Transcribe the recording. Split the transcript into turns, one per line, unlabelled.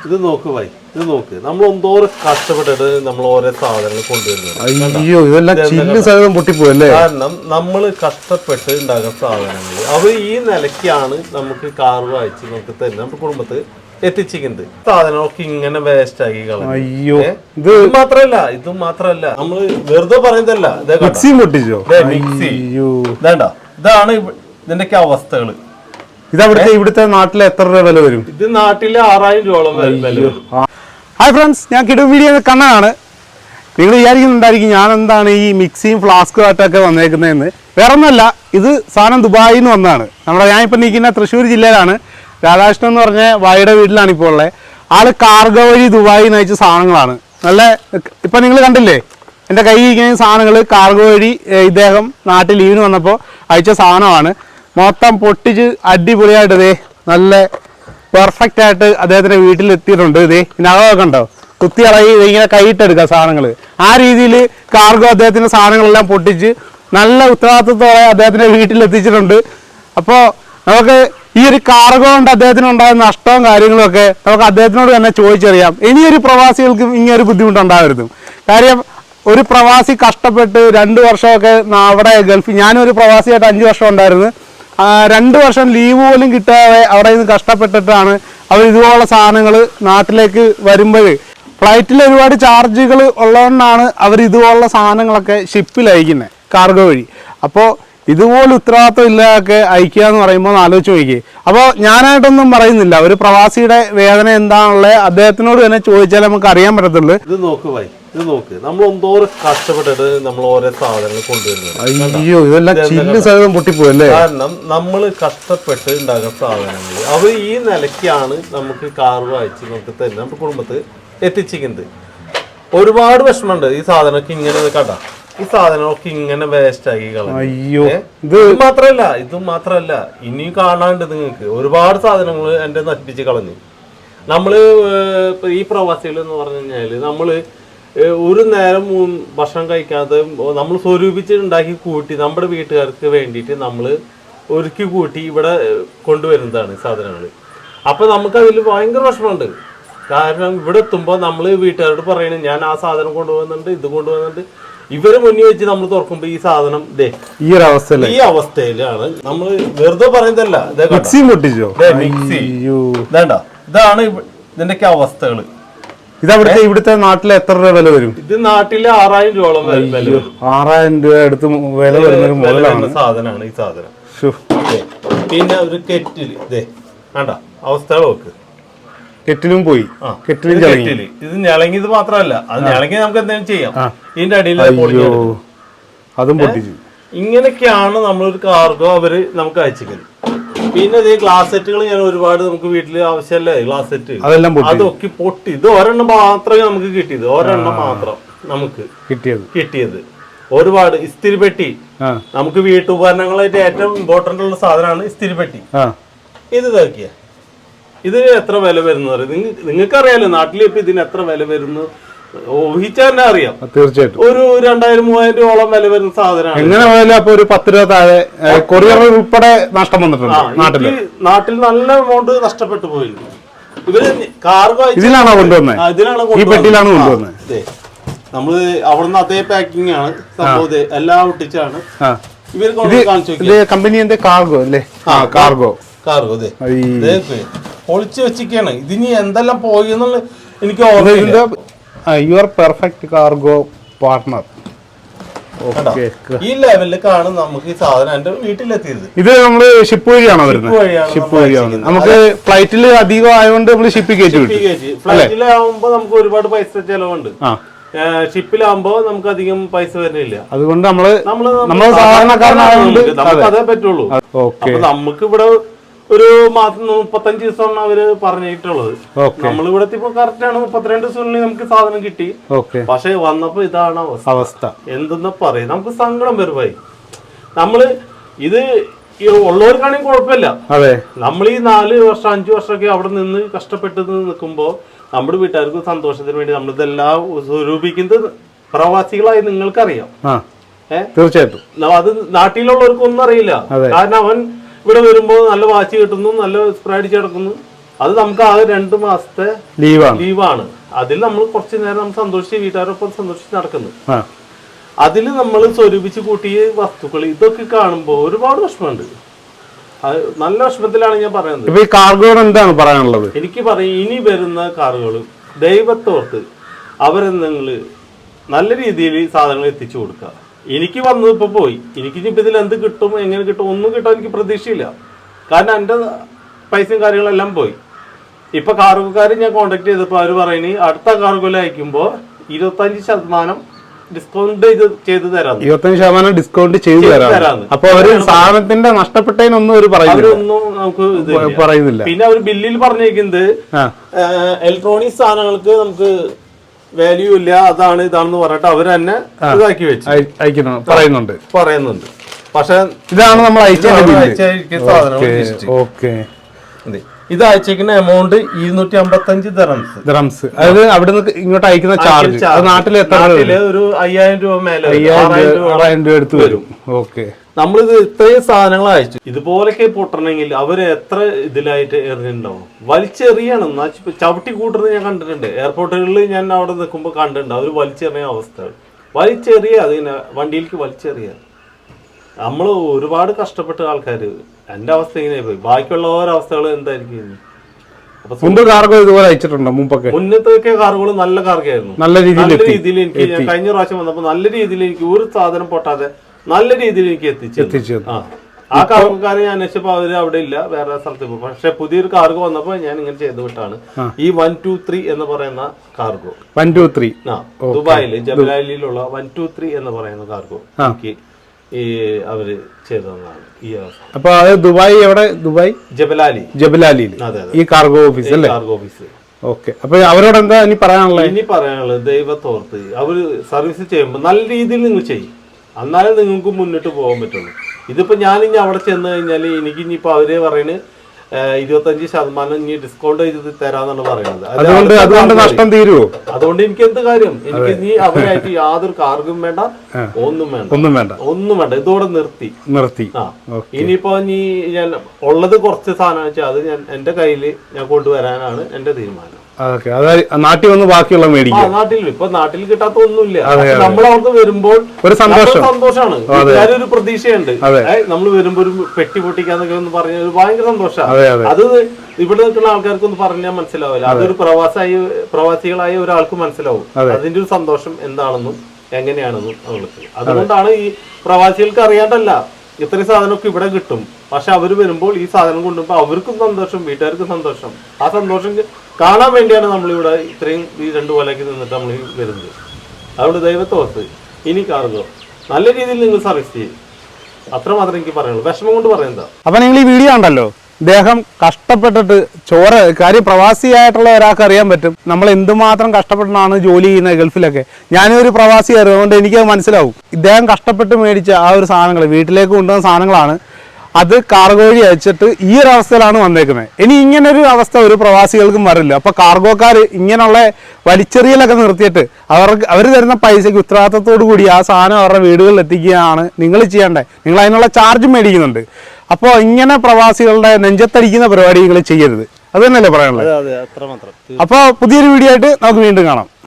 ഇത് നോക്ക് ഭായി, ഇത് നോക്ക്. നമ്മൾ എന്തോരം കഷ്ടപ്പെട്ടിട്ട് നമ്മൾ ഓരോ സാധനങ്ങൾ കൊണ്ടുവരുന്നത്.
അയ്യോ, ഇതെല്ലാം ചില്ല് സഹിതം പൊട്ടിപ്പോയല്ലേ.
കാരണം നമ്മൾ കഷ്ടപ്പെട്ട് ഉണ്ടാക്കുന്ന സാധനങ്ങൾ അവർ ഈ നിലയ്ക്കാണ് നമുക്ക് കാർവ് അയച്ച് നമുക്ക് തരുന്നത്, നമ്മുടെ കുടുംബത്തിൽ എത്തിച്ചിരിക്കുന്നത്. സാധനങ്ങളൊക്കെ ഇങ്ങനെ വേസ്റ്റ് ആക്കി കളയും.
അയ്യോ,
ഇത് മാത്രല്ല നമ്മൾ വെറുതെ പറയുന്നതല്ല.
മിക്സി പൊട്ടിച്ചോ?
മിക്സി വേണ്ട, ഇതാണ് ഇതിന്റെയൊക്കെ അവസ്ഥകള്.
ഇവിടുത്തെ നാട്ടിലെ എത്ര രൂപ വില വരും?
ഇത് നാട്ടിലെ 6000 രൂപയോളം വില വരും.
ഹായ് ഫ്രണ്ട്സ്, ഞാൻ കിടു വീഡിയോ കണ്ണനാണ്. നിങ്ങൾ വിചാരിക്കുന്നുണ്ടായിരിക്കും ഞാൻ എന്താണ് ഈ മിക്സിയും ഫ്ലാസ്കും ആയിട്ടൊക്കെ വന്നേക്കുന്നതെന്ന്. വേറെ ഒന്നുമല്ല, ഇത് സാധനം ദുബായിൽ നിന്ന് വന്നതാണ്. ഞാനിപ്പോൾ നിൽക്കുന്ന തൃശ്ശൂർ ജില്ലയിലാണ്. രാധാകൃഷ്ണൻ എന്ന് പറഞ്ഞ വായുടെ വീട്ടിലാണ് ഇപ്പോൾ ഉള്ളത്. ആള് കാർഗോ വഴി ദുബായിൽ നിന്ന് അയച്ച സാധനങ്ങളാണ്. നല്ല ഇപ്പം നിങ്ങൾ കണ്ടില്ലേ എൻ്റെ കയ്യിൽ ഇരിക്കുന്ന സാധനങ്ങൾ കാർഗോ വഴി ഇദ്ദേഹം നാട്ടിൽ ലീവിന് വന്നപ്പോൾ അയച്ച സാധനമാണ്. മൊത്തം പൊട്ടിച്ച് അടിപൊളിയായിട്ട് ഇതേ നല്ല പെർഫെക്റ്റ് ആയിട്ട് അദ്ദേഹത്തിൻ്റെ വീട്ടിലെത്തിയിട്ടുണ്ട്. ഇതേ ഇതിനകമൊക്കെ ഉണ്ടോ, കുത്തി ഇളകി ഇങ്ങനെ കൈയിട്ടെടുക്കുക സാധനങ്ങൾ. ആ രീതിയിൽ കാർഗോ അദ്ദേഹത്തിൻ്റെ സാധനങ്ങളെല്ലാം പൊട്ടിച്ച് നല്ല ഉത്തരവാദിത്വത്തോടെ അദ്ദേഹത്തിൻ്റെ വീട്ടിലെത്തിച്ചിട്ടുണ്ട്. അപ്പോൾ നമുക്ക് ഈ ഒരു കാർഗോ കൊണ്ട് അദ്ദേഹത്തിന് ഉണ്ടായ നഷ്ടവും കാര്യങ്ങളുമൊക്കെ നമുക്ക് അദ്ദേഹത്തിനോട് തന്നെ ചോദിച്ചറിയാം. ഇനിയൊരു പ്രവാസികൾക്കും ഇങ്ങനൊരു ബുദ്ധിമുട്ടുണ്ടാവരുത്. കാര്യം ഒരു പ്രവാസി കഷ്ടപ്പെട്ട് 2 വർഷമൊക്കെ അവിടെ ഗൾഫിൽ, ഞാനൊരു പ്രവാസിയായിട്ട് 5 വർഷം ഉണ്ടായിരുന്നു. 2 വർഷം ലീവ് പോലും കിട്ടാതെ അവിടെ നിന്ന് കഷ്ടപ്പെട്ടിട്ടാണ് അവർ ഇതുപോലുള്ള സാധനങ്ങൾ നാട്ടിലേക്ക് വരുമ്പോൾ. ഫ്ലൈറ്റിൽ ഒരുപാട് ചാർജുകൾ ഉള്ളതുകൊണ്ടാണ് അവർ ഇതുപോലുള്ള സാധനങ്ങളൊക്കെ ഷിപ്പിൽ അയക്കുന്നത് കാർഗോ വഴി. അപ്പോൾ ഇതുപോലെ ഉത്തരവാദിത്വം ഇല്ലാതൊക്കെ അയക്കുക എന്ന് പറയുമ്പോൾ ആലോചിച്ച് നോക്കിയേ. അപ്പോൾ ഞാനായിട്ടൊന്നും പറയുന്നില്ല, ഒരു പ്രവാസിയുടെ വേദന എന്താണുള്ളത് അദ്ദേഹത്തിനോട് തന്നെ ചോദിച്ചാൽ നമുക്ക് അറിയാൻ പറ്റത്തുള്ളൂ.
ഇത് നോക്ക് ഭായി, ഇത് നോക്ക്. നമ്മൾ എന്തോരം കഷ്ടപ്പെട്ടിട്ട് നമ്മൾ ഓരോ സാധനങ്ങൾ കൊണ്ടുവരുന്നത്.
അയ്യോ, ഇതെല്ലാം ചില്ല് സഹിതം പൊട്ടിപ്പോയല്ലേ.
കാരണം നമ്മൾ കഷ്ടപ്പെട്ട് ഉണ്ടാക്കുന്ന സാധനങ്ങൾ അവർ ഈ നിലയ്ക്കാണ് നമുക്ക് കാർവ് അയച്ച് നമുക്ക് തരുന്നത്, നമ്മുടെ കുടുംബത്തിൽ എത്തിച്ചിരിക്കുന്നത്. ഒരുപാട് വിഷമമുണ്ട് ഈ സാധനമൊക്കെ ഇങ്ങനെ കണ്ട. ഈ സാധനമൊക്കെ ഇങ്ങനെ വേസ്റ്റ് ആക്കി കളയും.
അയ്യോ,
ഇത് മാത്രല്ല ഇനിയും കാണാണ്ട് നിങ്ങൾക്ക് ഒരുപാട് സാധനങ്ങൾ എന്റെ നശിപ്പിച്ച് കളഞ്ഞു. നമ്മള് ഈ പ്രവാസികൾ എന്ന് പറഞ്ഞു കഴിഞ്ഞാല് നമ്മള് ഒരു നേരം ഭക്ഷണം കഴിക്കാതെ നമ്മൾ സ്വരൂപിച്ചിട്ടുണ്ടാക്കി കൂട്ടി നമ്മുടെ വീട്ടുകാർക്ക് വേണ്ടിയിട്ട് നമ്മൾ ഒരുക്കി കൂട്ടി ഇവിടെ കൊണ്ടുവരുന്നതാണ് സാധനങ്ങൾ. അപ്പൊ നമുക്ക് അതിൽ ഭയങ്കര വിഷമമുണ്ട്. കാരണം ഇവിടെ എത്തുമ്പോൾ നമ്മൾ വീട്ടുകാരോട് പറയണേ ഞാൻ ആ സാധനം കൊണ്ടുപോകുന്നുണ്ട്, ഇത് കൊണ്ടുപോകുന്നുണ്ട്. ഇവര് മുന്നിൽ വെച്ച് നമ്മൾ തുറക്കുമ്പോ ഈ സാധനം ഈ അവസ്ഥയിലാണ്. നമ്മൾ വെറുതെ പറയുന്നതല്ല. മിക്സി വേണ്ട, ഇതാണ് ഇതിന്റെയൊക്കെ അവസ്ഥകള്.
ഇവിടുത്തെ നാട്ടിലെ എത്ര രൂപ വില വരും? ഇത്
നാട്ടിലെ 6000 രൂപയോളം വില വരും.
6000 രൂപ അടുത്ത് വില വരുന്ന
സാധനമാണ് ഈ സാധനം. പിന്നെ ഒരു കെറ്റില് വേണ്ട അവസ്ഥകൾ നോക്ക്.
കെറ്റിലും പോയി,
ഇത് ഞെളങ്ങിയത് മാത്രമല്ല, അത് ഞെളങ്ങി നമുക്ക് എന്തെങ്കിലും ചെയ്യാം. ഇതിന്റെ അടിയിൽ
അതും പൊട്ടിച്ചു.
ഇങ്ങനെയൊക്കെയാണ് നമ്മളൊരു കാർഗോ അവര് നമുക്ക് അയച്ചിരിക്കുന്നത്. പിന്നെ ഇത് ഗ്ലാസ് സെറ്റുകൾ ഞാൻ ഒരുപാട് നമുക്ക് വീട്ടില് ആവശ്യമല്ലേ ഗ്ലാസ് സെറ്റ്, അതൊക്കെ പൊട്ടി. ഇത് ഒരെണ്ണം മാത്രമേ നമുക്ക് കിട്ടിയത്, ഒരെണ്ണം മാത്രം നമുക്ക് കിട്ടിയത്. ഒരുപാട് ഇസ്തിരിപ്പെട്ടി, നമുക്ക് വീട്ടുപകരണങ്ങളായിട്ട് ഏറ്റവും ഇമ്പോർട്ടന്റ് ഉള്ള സാധനമാണ് ഇസ്തിരിപ്പെട്ടി. ഇത് ഇതാക്കിയ ഇത് എത്ര വില വരുന്നത് നിങ്ങൾക്കറിയാലോ. നാട്ടിൽ ഇപ്പൊ ഇതിന് എത്ര വില വരുന്നു ഊഹിച്ചാൽ തന്നെ അറിയാം.
തീർച്ചയായിട്ടും
ഒരു 2000-3000 രൂപയോളം വില വരുന്ന സാധനമാണ്.
എങ്ങനെ പോയാലും അപ്പൊ ഒരു 10 രൂപ താഴെ കൊറിയർ ഉൾപ്പെടെ നഷ്ടം വന്നിട്ടുണ്ട്.
നാട്ടിൽ നല്ല എമൗണ്ട് നഷ്ടപ്പെട്ടു പോയിരുന്നു. ഇവര് കാർഗോ
ഇതിലാണോ കൊണ്ടുവന്നത്? ഈ പെട്ടിയിലാണ് കൊണ്ടുവന്നത്.
നമ്മള് അവിടുന്ന് അതേ പാക്കിംഗ് ആണ് സംഭവം, എല്ലാം ഒട്ടിച്ചാണ് ഇവർ കാണിച്ചു.
കമ്പനി എന്താ കാർഗോ അല്ലേ? കാർഗോ
പൊളിച്ചു വെച്ചിരിക്കാണ്. ഇതിനി എന്തെല്ലാം പോയി എന്നുള്ള എനിക്ക് ഓർമ്മയില്ല.
Your perfect cargo partner.
ഈ ലെവലിലേക്കാണ് നമുക്ക് ഈ സാധനം എന്റെ വീട്ടിലെത്തിയത്.
ഇത് നമ്മള് ഷിപ്പ് വഴിയാണോ വരുന്നത്? ഷിപ്പ് വഴിയാണ്. നമുക്ക് ഫ്ലൈറ്റിൽ അധികം ആയതുകൊണ്ട് നമ്മള് ഷിപ്പിൽ കയറ്റി.
ഫ്ലൈറ്റിലാവുമ്പോ നമുക്ക് ഒരുപാട് പൈസ ചെലവുണ്ട്. ഷിപ്പിലാവുമ്പോ നമുക്ക് അധികം പൈസ വരുന്നില്ല.
അതുകൊണ്ട് നമ്മള് സാധാരണക്കാരനായതുകൊണ്ട്
നമുക്ക് അതേ പറ്റുള്ളൂ. അപ്പൊ നമുക്ക് ഇവിടെ ഒരു 35 ദിവസമാണ് അവര് പറഞ്ഞിട്ടുള്ളത്. നമ്മളിവിടെ ഇപ്പൊ കറക്റ്റ് ആണ് 32 ദിവസത്തിനുള്ളിൽ നമുക്ക് സാധനം കിട്ടി. പക്ഷെ വന്നപ്പോ ഇതാണ് അവസ്ഥ. എന്തെന്ന് പറയും, നമുക്ക് സങ്കടം വരുമായി. നമ്മള് ഇത് ഉള്ളവർക്കാണെങ്കിൽ കുഴപ്പമില്ല. നമ്മൾ ഈ 4 വർഷം 5 വർഷമൊക്കെ അവിടെ നിന്ന് കഷ്ടപ്പെട്ട് നിൽക്കുമ്പോ നമ്മുടെ വീട്ടുകാർക്ക് സന്തോഷത്തിന് വേണ്ടി നമ്മളിതെല്ലാം സ്വരൂപിക്കുന്നത് പ്രവാസികളായി നിങ്ങൾക്കറിയാം.
തീർച്ചയായിട്ടും
അത് നാട്ടിലുള്ളവർക്കൊന്നും അറിയില്ല. കാരണം അവൻ ഇവിടെ വരുമ്പോൾ നല്ല വാച്ച് കിട്ടുന്നു, നല്ല സ്പ്രേ അടിച്ച് കിടക്കുന്നു, അത് നമുക്ക് ആകെ 2 മാസത്തെ
ലീവാണ്.
അതിൽ നമ്മൾ കുറച്ച് നേരം നമ്മൾ സന്തോഷിച്ച് വീട്ടുകാരൊപ്പം സന്തോഷിച്ച് നടക്കുന്നു. അതിൽ നമ്മൾ സ്വരൂപിച്ച് കൂട്ടിയ വസ്തുക്കൾ ഇതൊക്കെ കാണുമ്പോൾ ഒരുപാട് വിഷമമുണ്ട്. നല്ല വിഷമത്തിലാണ് ഞാൻ പറയുന്നത്.
ഇപ്പൊ ഈ കാർഗോയോട് എന്താണ് പറയാനുള്ളത്?
എനിക്ക് പറയും, ഇനി വരുന്ന കാറുകൾ ദൈവത്തോർത്ത് അവരെന്തെങ്കിൽ നല്ല രീതിയിൽ സാധനങ്ങൾ എത്തിച്ചു കൊടുക്കുക. എനിക്ക് വന്നത് ഇപ്പൊ പോയി, എനിക്ക് ഇനിയിപ്പോൾ ഇതിൽ എന്ത് കിട്ടും, എങ്ങനെ കിട്ടും, ഒന്നും കിട്ടാൻ എനിക്ക് പ്രതീക്ഷയില്ല. കാരണം എൻ്റെ പൈസയും കാര്യങ്ങളെല്ലാം പോയി. ഇപ്പൊ കാർഗോക്കാർ ഞാൻ കോണ്ടാക്ട് ചെയ്തപ്പോൾ അവർ പറയുന്നത് അടുത്ത കാർഗോയിൽ അയക്കുമ്പോൾ 25% ഡിസ്കൗണ്ട് ചെയ്ത് തരാം.
25% ഡിസ്കൗണ്ട് ചെയ്തു തരാം. അപ്പൊ അവര് സാധനത്തിന്റെ നഷ്ടപ്പെട്ടതിനൊന്നും അവർ പറയുന്നില്ല.
പിന്നെ അവർ ബില്ലിൽ പറഞ്ഞേക്കുന്നത് ഇലക്ട്രോണിക് സാധനങ്ങൾക്ക് നമുക്ക് വാല്യൂ ഇല്ല, അതാണ് ഇതാണെന്ന് പറഞ്ഞിട്ട് അവർ തന്നെ ഇതാക്കി വെച്ച്
പറയുന്നുണ്ട്.
പക്ഷെ
ഇതാണ് നമ്മൾ അയച്ച
ഇത് അയച്ചേക്കുന്ന എമൗണ്ട് 255 ദിറംസ്.
അതായത് അവിടെ നിന്ന് ഇങ്ങോട്ട് അയക്കുന്ന ചാർജ് നാട്ടിൽ
ഒരു 5000 രൂപ മേലെ
6000 രൂപ എടുത്ത് വരും. ഓക്കെ,
നമ്മളിത് ഇത്രയും സാധനങ്ങൾ അയച്ചു. ഇതുപോലൊക്കെ പൊട്ടണമെങ്കിൽ അവര് എത്ര ഇതിലായിട്ട് എറിഞ്ഞിട്ടുണ്ടാവും. വലിച്ചെറിയണം, ചവിട്ടി കൂട്ടുന്നത് ഞാൻ കണ്ടിട്ടുണ്ട്. എയർപോർട്ടുകളിൽ ഞാൻ അവിടെ നിൽക്കുമ്പോൾ കണ്ടിട്ടുണ്ട്. അവർ വലിച്ചെറിയ അവസ്ഥകൾ, വലിച്ചെറിയ അതിനെ വണ്ടിയിലേക്ക് വലിച്ചെറിയ. നമ്മൾ ഒരുപാട് കഷ്ടപ്പെട്ട ആൾക്കാർ. എന്റെ അവസ്ഥ ഇങ്ങനെ പോയി. ബാക്കിയുള്ള ഓരോ അവസ്ഥകൾ എന്തായിരിക്കും?
കാർഗോ ഇതുപോലെ അയച്ചിട്ടുണ്ടോ മുമ്പൊക്കെ?
മുന്നത്തെ കാറുകൾ നല്ല കാർഗായിരുന്നു. നല്ല രീതിയിൽ എനിക്ക് കഴിഞ്ഞ പ്രാവശ്യം വന്നപ്പോ നല്ല രീതിയിൽ എനിക്ക് ഒരു സാധനം പൊട്ടാതെ നല്ല രീതിയിൽ എനിക്ക് എത്തിച്ചു. ആ കാർഗോക്കാരെ ഞാൻ അന്വേഷിച്ചപ്പോ അവര് അവിടെ ഇല്ല, വേറെ സ്ഥലത്ത് പോകും. പക്ഷെ പുതിയൊരു കാർഗോ വന്നപ്പോ ഞാൻ ഇങ്ങനെ ചെയ്തു വിട്ടാണ് ഈ 123 എന്ന് പറയുന്ന കാർഗോ.
123
ദുബായില് ജബലാലിയിലുള്ള 123 എന്ന് പറയുന്ന കാർഗോ എനിക്ക് ഈ അവര് ചെയ്തതാണ് ഈ അവസ്ഥ.
അപ്പൊ അത് ദുബായ് എവിടെ? ദുബായ് ജബലാലിയിൽ ഈ കാർഗോ ഓഫീസ് അല്ലേ?
Cargo office.
ഓക്കെ, അപ്പൊ അവരോട് എന്താ ഇനി
പറയാനുള്ളത്? ദൈവത്തോർത്ത് അവര് സർവീസ് ചെയ്യുമ്പോൾ നല്ല രീതിയിൽ നിങ്ങൾ ചെയ്യും, എന്നാലേ നിങ്ങൾക്ക് മുന്നോട്ട് പോകാൻ പറ്റുള്ളൂ. ഇതിപ്പോ ഞാൻ ഇനി അവിടെ ചെന്ന് കഴിഞ്ഞാല് എനിക്ക് ഇനിയിപ്പോ അവര് പറയുന്നത് 25% ഇനി ഡിസ്കൗണ്ട് ചെയ്ത് തരാന്നാണ് പറയുന്നത്. അതുകൊണ്ട് എനിക്ക് എന്ത് കാര്യം? എനിക്ക് ഇനി അവരായിട്ട് യാതൊരു കാർഗും വേണ്ട, ഒന്നും വേണ്ട. ഇതോടെ നിർത്തി. ഇനിയിപ്പോ ഞാൻ ഉള്ളത് കുറച്ച് സാധനം വെച്ചാൽ അത് ഞാൻ എന്റെ കയ്യില് ഞാൻ കൊണ്ടുവരാനാണ് എന്റെ തീരുമാനം.
നാട്ടിൽ വന്ന് ബാക്കിയുള്ള മേടിക്കും.
നാട്ടിൽ കിട്ടാത്ത ഒന്നുമില്ല. നമ്മളവിടുന്ന് വരുമ്പോൾ ഒരു സന്തോഷമാണ്, ഒരു പ്രതീക്ഷയുണ്ട്. നമ്മൾ വരുമ്പോ ഒരു പെട്ടി പൊട്ടിക്കാന്നൊക്കെ ഒന്ന് പറഞ്ഞ ഒരു ഭയങ്കര സന്തോഷമാണ്. അത് ഇവിടെ നിൽക്കുന്ന ആൾക്കാർക്കൊന്നും പറഞ്ഞാൽ മനസ്സിലാവില്ല. അതൊരു പ്രവാസികളായ ഒരാൾക്ക് മനസ്സിലാവും അതിന്റെ ഒരു സന്തോഷം എന്താണെന്നും എങ്ങനെയാണെന്നും അവൾക്ക്. അതുകൊണ്ടാണ് ഈ പ്രവാസികൾക്ക് അറിയാണ്ടല്ല ഇത്രയും സാധനമൊക്കെ ഇവിടെ കിട്ടും. പക്ഷെ അവര് വരുമ്പോൾ ഈ സാധനം കൊണ്ടുപോകുമ്പോൾ അവർക്കും സന്തോഷം, വീട്ടുകാർക്കും സന്തോഷം. ആ സന്തോഷം കാണാൻ വേണ്ടിയാണ് നമ്മളിവിടെ ഇത്രയും ഈ 2 കൊല്ലയ്ക്ക് നിന്നിട്ട് നമ്മൾ വരുന്നത്. അതുകൊണ്ട് ദൈവത്തോർത്ത് ഇനി കാർഗോ നല്ല രീതിയിൽ നിങ്ങൾ സർവീസ് ചെയ്യും. അത്രമാത്രം എനിക്ക് പറയുള്ളൂ. വിഷമം കൊണ്ട് പറയുന്നതാ.
അപ്പൊ നിങ്ങൾ ഈ വീഡിയോ ഉണ്ടല്ലോ, ഇദ്ദേഹം കഷ്ടപ്പെട്ടിട്ട് കാര്യം പ്രവാസിയായിട്ടുള്ള ഒരാൾക്ക് അറിയാൻ പറ്റും നമ്മൾ എന്തുമാത്രം കഷ്ടപ്പെട്ടാണ് ജോലി ചെയ്യുന്നത് ഗൾഫിലൊക്കെ. ഞാനൊരു പ്രവാസിയായിരുന്നു, അതുകൊണ്ട് എനിക്കത് മനസ്സിലാവും. ഇദ്ദേഹം കഷ്ടപ്പെട്ട് മേടിച്ച ആ ഒരു സാധനങ്ങൾ വീട്ടിലേക്ക് കൊണ്ടുവന്ന സാധനങ്ങളാണ്. അത് കാർഗോ വഴി അയച്ചിട്ട് ഈ ഒരു അവസ്ഥയിലാണ് വന്നേക്കുന്നത്. ഇനി ഇങ്ങനൊരു അവസ്ഥ ഒരു പ്രവാസികൾക്കും വരില്ല. അപ്പോൾ കാർഗോക്കാർ ഇങ്ങനെയുള്ള വലിച്ചെറിയലൊക്കെ നിർത്തിയിട്ട് അവർ തരുന്ന പൈസയ്ക്ക് ഉത്തരവാദിത്തത്തോടു കൂടി ആ സാധനം അവരുടെ വീടുകളിൽ എത്തിക്കുകയാണ് നിങ്ങൾ ചെയ്യേണ്ടത്. നിങ്ങൾ അതിനുള്ള ചാർജ് മേടിക്കുന്നുണ്ട്. അപ്പോൾ ഇങ്ങനെ പ്രവാസികളുടെ നെഞ്ചത്തടിക്കുന്ന പരിപാടി നിങ്ങൾ ചെയ്യരുത്. അത് തന്നെയല്ലേ പറയാനുള്ളത്? അപ്പോൾ പുതിയൊരു വീഡിയോ ആയിട്ട് നമുക്ക് വീണ്ടും കാണാം.